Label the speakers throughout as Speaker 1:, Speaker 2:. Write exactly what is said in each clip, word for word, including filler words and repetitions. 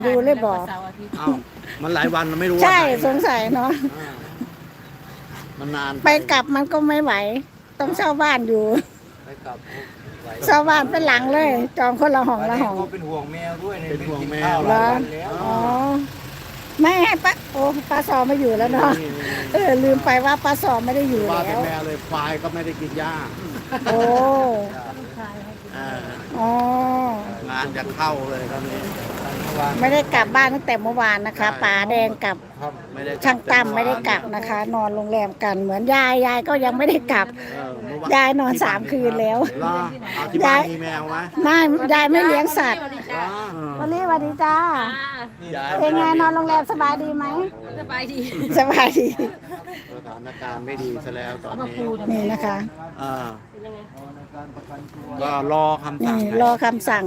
Speaker 1: ดูเลยบอก
Speaker 2: อ้าวมันหลายวันเราไม่รู้ว่า
Speaker 1: ใช่
Speaker 2: ไหน
Speaker 1: สงสัยเนาะ
Speaker 2: อ่ามันนาน
Speaker 1: ไปกลับมันก็ไม่ไหว ต้องเช่าบ้านอยู่
Speaker 2: ไปกลับไหว
Speaker 1: เช่าบ้านเป็นหลังเลย จองคนละห้องละห้อง
Speaker 3: ก็เป็นห่วงแมวด้วย
Speaker 2: เป็นห่วงแม
Speaker 3: ข้าว
Speaker 2: ว
Speaker 3: หลายวันแล้ว
Speaker 1: อ๋อไม่ให้ป้าโอ้ป้าซอไม่อยู่แล้วเนาะเออลืมไปว่าป้าซอไม่ได้อยู่
Speaker 2: ว่า
Speaker 1: แล้
Speaker 2: เป็น
Speaker 1: ว
Speaker 2: แมวเลยควายก็ไม่ได้กินหญ้า
Speaker 1: โอ้
Speaker 2: เออ
Speaker 1: อ๋อง
Speaker 2: านจะเข้าเลยตอนนี้
Speaker 1: ไม่ได้กลับบ้านตั้งแต่เมื่อวานนะคะป๋าแดงกับ
Speaker 2: ไม่ได้กลับ
Speaker 1: ช่างตั้มไม่ได้กลับนะคะ นอนโรงแรมกันเหมือนยายยายก็ยังไม่ได้กลับ
Speaker 2: เออเมื่อว
Speaker 1: ยายนอนสามคืนแล้ว
Speaker 2: เหรอเอาที่บ้านมีแมวไหม
Speaker 1: ไม่ยายไม่เลี้ยงสัตว์
Speaker 2: เหรอ
Speaker 1: วันนี้สวัสดีจ้า
Speaker 2: ยาย
Speaker 1: เป็นไงนอนโรงแรมสบายดีไหม
Speaker 4: สบายดี
Speaker 1: สบายดี
Speaker 2: สถานการณ์ไม่ดีซะแล้วตอนนี้
Speaker 1: นี่นะคะ
Speaker 2: เออก็รอคำสั่
Speaker 1: นี่
Speaker 2: ง
Speaker 1: รอคำสั่ง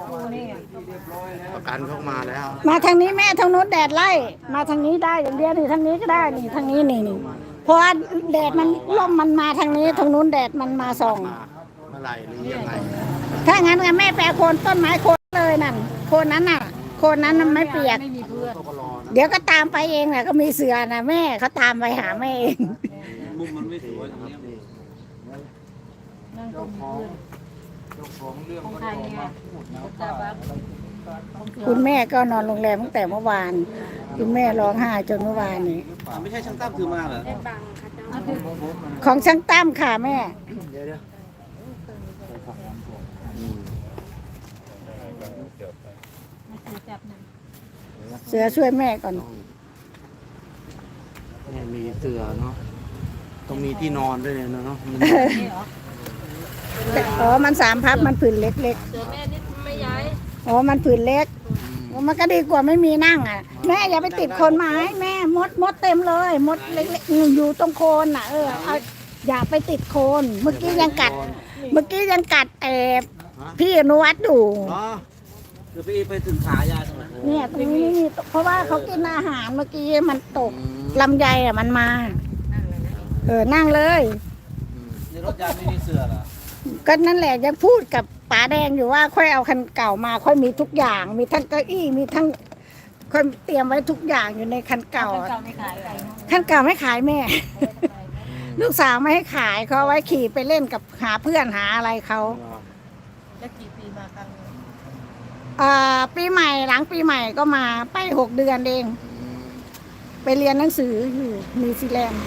Speaker 2: ประกันเข้ามาแล้ว
Speaker 1: มาทางนี้แม่ทางโน้นแดดไล่มาทางนี้ได้อย่างเดียวนี่ทางนี้ก็ได้นี่ทางนี้นี่นี่เพราะว่าแดดมันร่มมันมาทางนี้ทางนู้นแดดมันมาส่อง
Speaker 2: มาเมื่อไหร่หรือยังไง
Speaker 1: ถ้างั้นก็แม่แปลโคนต้นไม้โคนเลยนั่นโคนนั้นน่ะโคนนั้นมันไม่เปียก
Speaker 4: ไม่มีเพื่อน
Speaker 2: ก็รอนะ
Speaker 1: เดี๋ยวก็ตามไปเองแหละก็มีเสือนะแม่เขาตามไปหาแม่เอง
Speaker 3: มุมมันไม่สวยตรง
Speaker 2: ครับ
Speaker 3: นี้
Speaker 2: นี่
Speaker 4: นั่งตรงเพื่อน
Speaker 3: เจ้าของเรื่อง
Speaker 4: ของ
Speaker 3: ก็
Speaker 4: ใคร
Speaker 3: ต้อง
Speaker 4: ไง
Speaker 3: มาพูดนะ
Speaker 4: ตาบัก
Speaker 1: คุณแม่ก็นอนโรงแรมตั้งแต่เมื่อวาน คุณแม่ร้องไห้จนเมื่อวานนี้
Speaker 3: ไม่ใช่ช่างตั้มคือมาเหรอ
Speaker 1: ของช่างตั้มค่ะแม่
Speaker 2: เดี๋ยวเดี๋ยวอืม
Speaker 4: จับหนึ่ง
Speaker 1: เสือช่วยแม่ก่อน
Speaker 2: เนี่ยมีเสือเนาะต้องมีที่นอนด้วยเนี่ยเนาะมัน
Speaker 4: นี่เหรอ
Speaker 1: อ๋อมันสามพับมันผืนเล็ก
Speaker 4: เสือแม่นี่ไม่ย้าย
Speaker 1: ๆอ๋อมันผืนเล็กมันก็ดีกว่าไม่มีนั่งอ่ะแม่อย่าไปติดโคนไม้แม่มดมดเต็มเลยมดเล็กๆอยู่ตรงโคนน่ะเออเอาอย่าไปติดโคน เมื่อกี้ยังกัด เมื่อกี้ยังกัดแอบพี่อนุวัฒน์อยู่
Speaker 2: เนาะ
Speaker 3: คือไปไปถึงขายาตรงไหน
Speaker 1: เนี่ยตรงนี้นี่เพราะว่าเขากินอาหารเมื่อกี้มันตกลำไยอ่ะมันมา เออนั่งเลย
Speaker 3: ในรถยาไม่มีเสือเหรอ
Speaker 1: ก็นั่นแหละยังพูดกับป๋าแดงอยู่ว่าค่อยเอาคันเก่ามาค่อยมีทุกอย่าง มีทั้งเก้าอี้มีทั้งค่อยเตรียมไว้ทุกอย่างอยู่ในคันเก่า
Speaker 4: เก่าไม่ขายอะไร
Speaker 1: คันเก่าไม่ขายแม่ ลูกสาวไม่ให้ขายเขาเอาไว้ขี่ไปเล่นกับหาเพื่อนหาอะไรเขา
Speaker 4: แล้วกี่ปีมาครั้งนึง
Speaker 1: อ่าปีใหม่หลังปีใหม่ก็มาไปหกเดือนเอง ไปเรียนหนังสืออยู่นิวซีแลนด์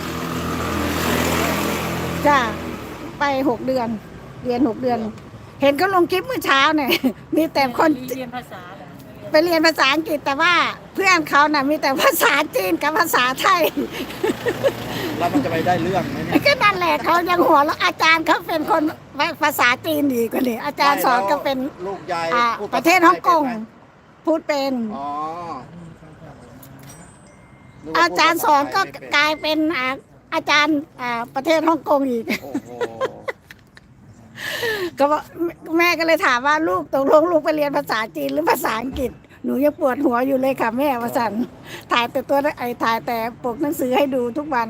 Speaker 1: จ้าไปหกเดือน เรียนหกเดือน เห็นเขาลงคลิปเมื่อเช้าเนี่ย มีแต่คน
Speaker 4: เรียนภาษาเหรอ
Speaker 1: ไปเรียนภาษาอังกฤษแต่ว่าเพื่อนเขาน่ะมีแต่ภาษาจีนกับภาษาไทย
Speaker 2: แล้วมันจะไปได้เรื่องไหมเนี่ย
Speaker 1: ก็นั่นแหละเขายังหัวเราะอาจารย์เขาเป็นคนภาษาจีนดีกว่านี่อาจารย์สอนก็เป็น
Speaker 2: ลูกยาย
Speaker 1: อ่า
Speaker 2: พูด
Speaker 1: ประเทศฮ่องกง
Speaker 2: ไทย
Speaker 1: พูดเป็น
Speaker 2: เป็นไหมอ๋อนึว่
Speaker 1: อาจารย์สอนก็
Speaker 2: พูดภษไทยไม่เป็น
Speaker 1: กลายเป็นอ่าอาจารย์อ่าประเทศฮ่องกงอีก
Speaker 2: โอ้โห
Speaker 1: ก็ว่าแม่ก็เลยถามว่าลูกตกลงลูกไปเรียนภาษาจีนหรือภาษาอังกฤษหนูยังปวดหัวอยู่เลยค่ะแม่วสันถ่ายแต่ตัวไอ้ถ่ายแต่ปกหนังสือให้ดูทุกวัน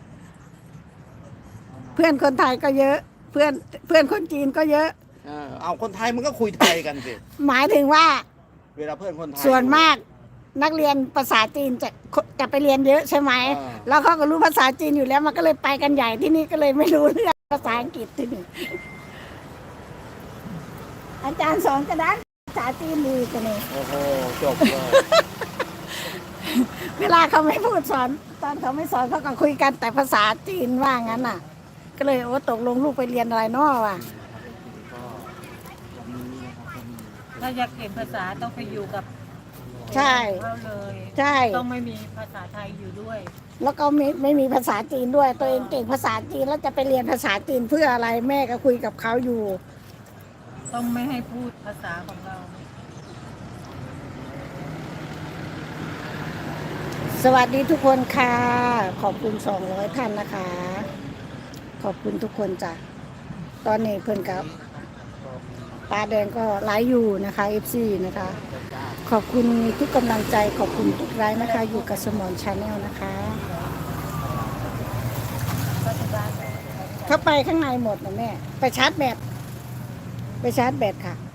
Speaker 1: เพื่อนคนไทยก็เยอะ เพื่อนเพื่อนคนจีนก็เยอะ
Speaker 2: เออเอาคนไทยมันก็คุยไทยกันสิ
Speaker 1: หมายถึงว่า
Speaker 2: เวลาเพื่อนคนไทย
Speaker 1: ส่วนมากนักเรียนภาษาจีนจะจะไปเรียนเยอะใช่ไหม
Speaker 2: อ่า
Speaker 1: แล้วเขาก็รู้ภาษาจีนอยู่แล้วมันก็เลยไปกันใหญ่ที่นี่ก็เลยไม่รู้เรื่องภาษาอังกฤษที่นี่อาจารย์สอนกระดานภาษาจีนดีกันเลย
Speaker 2: โอ้โหจบเลย
Speaker 1: เวลาเขาไม่พูดสอนตอนเขาไม่สอนเขาก็คุยกันแต่ภาษาจีนว่างั้นน่ะ ก็เลยโอ้ตกลงลูกไปเรียนอะไรเนาะว่ะ
Speaker 4: ถ้าอยากเก่งภาษาต้องไปอยู่กับ
Speaker 1: ใช่
Speaker 4: เขาเลย
Speaker 1: ใช่
Speaker 4: ต้องไม่มีภาษาไทยอยู่ด้วย
Speaker 1: แล้วก็ไม่ไม่มีภาษาจีนด้วย ตัวเองเก่งภาษาจีนแล้วจะไปเรียนภาษาจีนเพื่ออะไรแม่ก็คุยกับเขาอยู่
Speaker 4: ต้องไม่ให้พูดภาษาของเรา
Speaker 1: สวัสดีทุกคนค่ะ ขอบคุณสองร้อยท่านนะคะ ขอบคุณทุกคนจ้ะตอนนี้เพื่อนกับปลาแดงก็ไลฟ์อยู่นะคะ เอฟ ซี นะคะ ขอบคุณทุกกำลังใจขอบคุณทุกไลฟ์นะคะ อยู่กับสมอนชาแนลนะคะเข้าไปข้างในหมดนะแม่ ไปชาร์จแบตไปชาร์จแบตค่ะ